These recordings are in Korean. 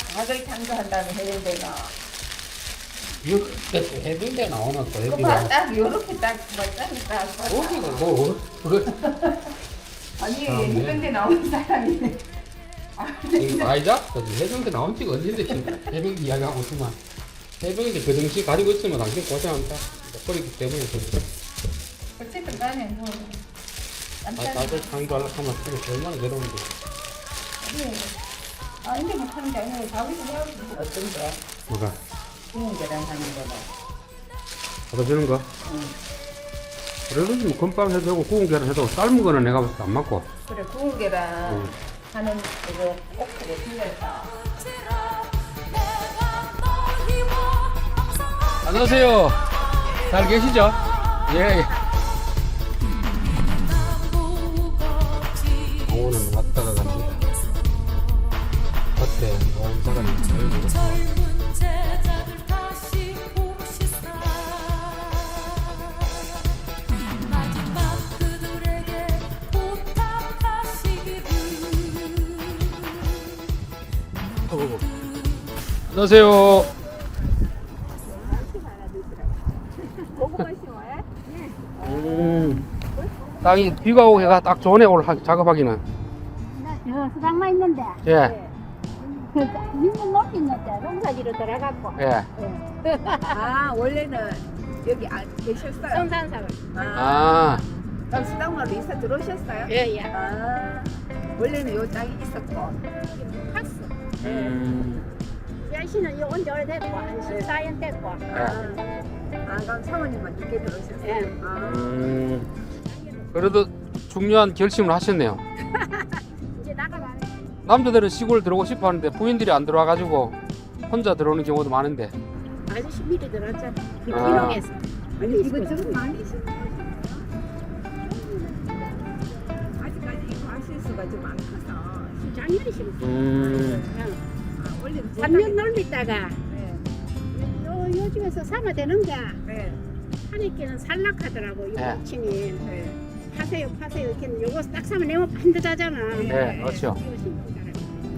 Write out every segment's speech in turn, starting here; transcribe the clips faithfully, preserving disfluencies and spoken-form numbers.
닭을 창조한 다음에 해병대가. 이렇게 해병대 나오나 또 그거 해병대. 딱 요렇게 딱 맞다니까. 어디가 뭐 그거 아니 아, 네. 해병대 나오는 사람이네. 이거 아이자? 해병대 나온 지가 언젠데 지금 해병대 이야기하고 있지만 해병대 그 당시 가지고 있으면 당신 고생한다. 버리기 때문에 어쨌든 간에 뭐. 아, 나도 창조하려고 하면 그게 얼마나 괴로운데. 네. 아 근데 못하는 게 아니라 자기도 해야지 어떤데? 뭐가? 구운 계란 하는 거다. 받아주는 거? 응. 그래도 뭐 건빵 해도 되고 구운 계란 해도 삶은 거는 내가 봤을 때 안 맞고. 그래 구운 계란 응. 하는 그거 꼭 그거 틀렸다. 안녕하세요. 잘 계시죠? 예. 오늘 왔다가 갑니다. 겉에 노란 사람이 보이고. 젊은 제자들 다시 봅시다. 마지막 그들에게 부탁하시기를. 안녕하세요. 음, 땅이 비가 오고 해가 딱 좋네 오늘 하- 작업하기는. 어, 수당만 있는데. 예, 그, 민물 높이 있는데, 농사지로 들어갔고. 예. 아 원래는 여기 안 계셨어요? 성산사를. 아, 그럼 수당마을로 이사 들어오셨어요? 예, 예. 아 원래는 요 땅이 있었고. 갔어. 음, 여신은 요 온지 오래됐고, 한 십사 년 됐고. 아, 아 그럼 사모님만 늦게 들어오셨어요? 예. 아. 음. 그래도 중요한 결심을 하셨네요. 이제 나가가네. 남자들은 시골 들어오고 싶어 하는데 부인들이 안 들어와가지고 혼자 들어오는 경우도 많은데. 아저씨 미리 들어왔잖아. 그 아. 기록에서. 아니 이거 좀 많이 심으셨 아직까지 이거 하실 수가 좀 안 커서. 작년에 심었어. 음, 아, 원래 삼 년 놀리다가, 네. 요, 요즘에서 삼아 되는 게, 네. 하니께는 산락하더라고, 이 네. 모친이. 네. 파세요, 파세요. 이렇게 요거 딱 사면 내면 반듯하잖아. 네, 그렇죠. 이거 심고 자라고.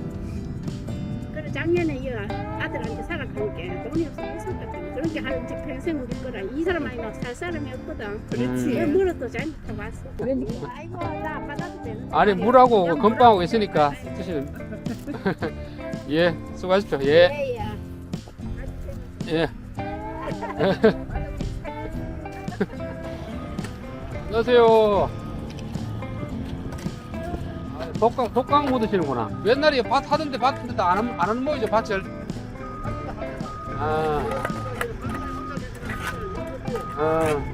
그래 작년에 이 아들한테 살아가니까 돈이 없어 못 살거든. 그렇게 할 이제 평생 우리 거라. 이 사람 아니면 살 사람이 없거든. 그렇지. 그 물어도 잘못하고 왔어. 그러니까. 아이고 나 안 받아도 되는데. 아니 물하고 건빵하고 있으니까 드시는. 예, 수고하십시오. 예, 예예. 예. 안녕하세요. 아, 독강, 독강 묻으시는구나. 옛날에 밭 하던데 밭인데 안, 하는- 안 하는 모이죠, 밭을. 아. 아.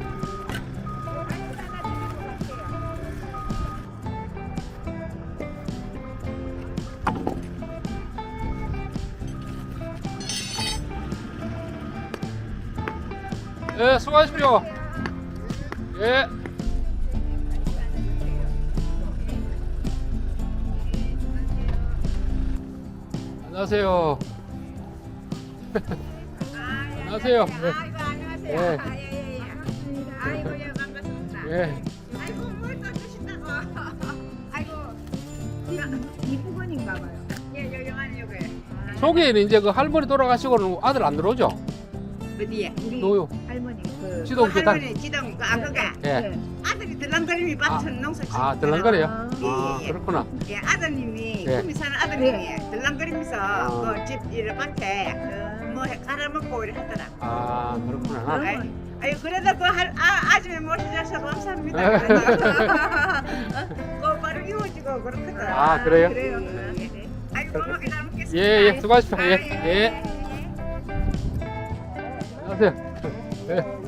예, 수고하십시오. 예. 안녕하세요. 안녕하세요. 네. 아이고 안녕하세요. 예. 아, 예, 예, 예. 아이고 예 반갑습니다. 예. 아이고 뭘 또 주신다고. 아이고 이, 이 부분인가 봐요. 예 여기 안에 여기. 아, 속에는 이제 그 할머니 돌아가시고는 아들 안 들어오죠? 어디에? 우리 노요. 할머니 그 지동 그 계단. 할머니 지동 그 아그가 예. 아들이 들랑거림이 밭은 농사 짓고 아, 들랑거려요? 예, 아, 예, 예. 그렇구나. 예, 아드님이 예. 꿈이 사는 아드님이 들랑거리면서 아. 그집 이런 밭에 뭐 해- 갈아먹고 이래 하더라. 아, 그렇구나. 아이, 아이 그래도 그 할, 아, 아줌마 모셔줘서 감사합니다. 네. 그 바로 이어지고 그렇거든. 아, 그래요? 그래요. 예. 아이고 고맙게 잘 먹겠습니다. 예, 예, 수고하십시오. 예, 아, 예. 안녕하세요. 예.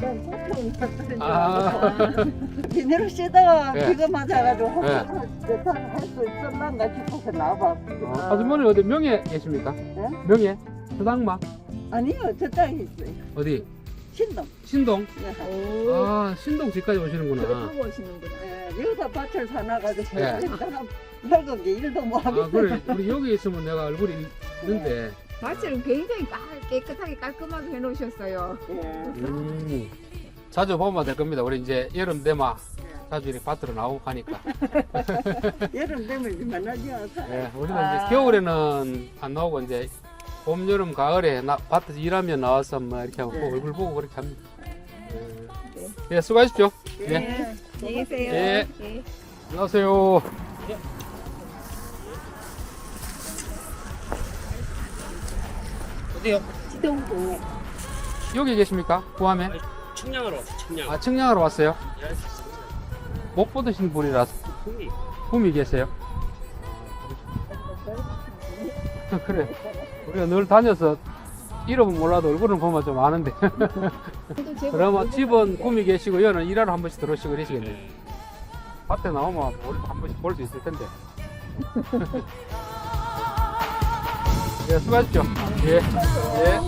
아, 비닐을 씻다가 예. 비가 맞아가지고 예. 할수 있을란가 싶어서 나와봐. 어, 아주머니 어디 명예 계십니까? 예? 명예? 수당마? 아니요, 저 땅에 있어요. 어디? 신동. 신동? 예. 아, 신동 집까지 오시는구나. 하고 오시는구나. 예, 여기다 밭을 사놔가지고 예. 내가 늙은 게 일도 못 하고. 아, 그래. 우리 여기 있으면 내가 얼굴이 있는데. 밭을 굉장히 깔, 깨끗하게 깔끔하게 해놓으셨어요. 예. 음, 자주 보면 될 겁니다. 우리 이제 여름 되면 자주 이렇게 밭으로 나오고 가니까. 여름 되면 이제 만나지 않아서. 예, 우리는 아. 이제 겨울에는 안 나오고 이제 봄, 여름, 가을에 나, 밭에서 일하면 나와서 뭐 이렇게 하고 네. 얼굴 보고 그렇게 합니다. 예, 예 수고하십시오. 예. 네. 안녕히 계세요. 예. 예. 안녕하세요. 어디요? 지동동에 여기 계십니까? 구암에? 청량하러 왔어, 청량. 아, 청량하러 왔어요? 일할 수 있어. 못 보드신 분이라서 꿈이. 꿈이 계세요? 그래. 우리가 늘 다녀서 이름은 몰라도 얼굴은 보면 좀 아는데. 그러면 집은 꿈이 계시고 여는 일하러 한 번씩 들어오시고 그러시겠네요. 밭에 나오면 우리도 한 번씩 볼 수 있을 텐데. 예, 수고하십시오. 예. 예.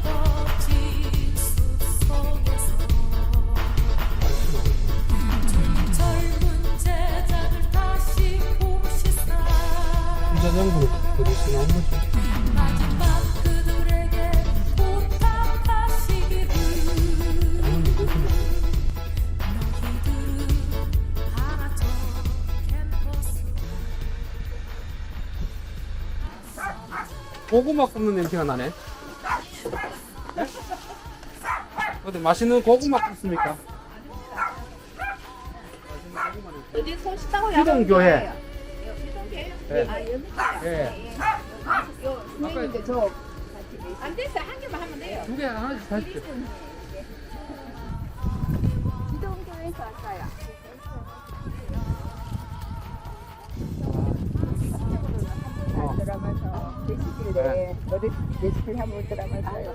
젊은 제자들 다시 봅시다. 운전연구를 들으시나 한 번씩. 마지막 그들에게 부탁하시기를 너희들은 하나처 캠퍼스 고구마 굽는 냄새가 나네. 네? 어디 맛있는 고구마 굽습니까? 어디 소식하고 기동교회. 예. 아 여기 예. 요 선생님들 저안 됐어 한 개만 하면 돼요. 두 개 하나씩 사십시오. 기동교회에서 왔어요. 어. 들어가면서 레시피를 어디 레시피를 한번 들어가면서요.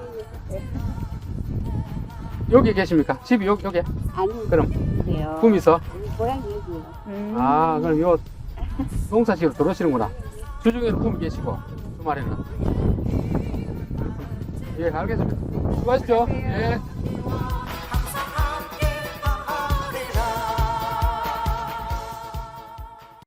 여기 계십니까? 집이 여기, 여기? 아니 그럼 그래요. 꿈이서? 고향이 여기요. 아, 그럼 요 농사지로 들어오시는구나. 주중에는 꿈이 계시고 주말에는. 예, 알겠습니다. 수고하십시오. 예.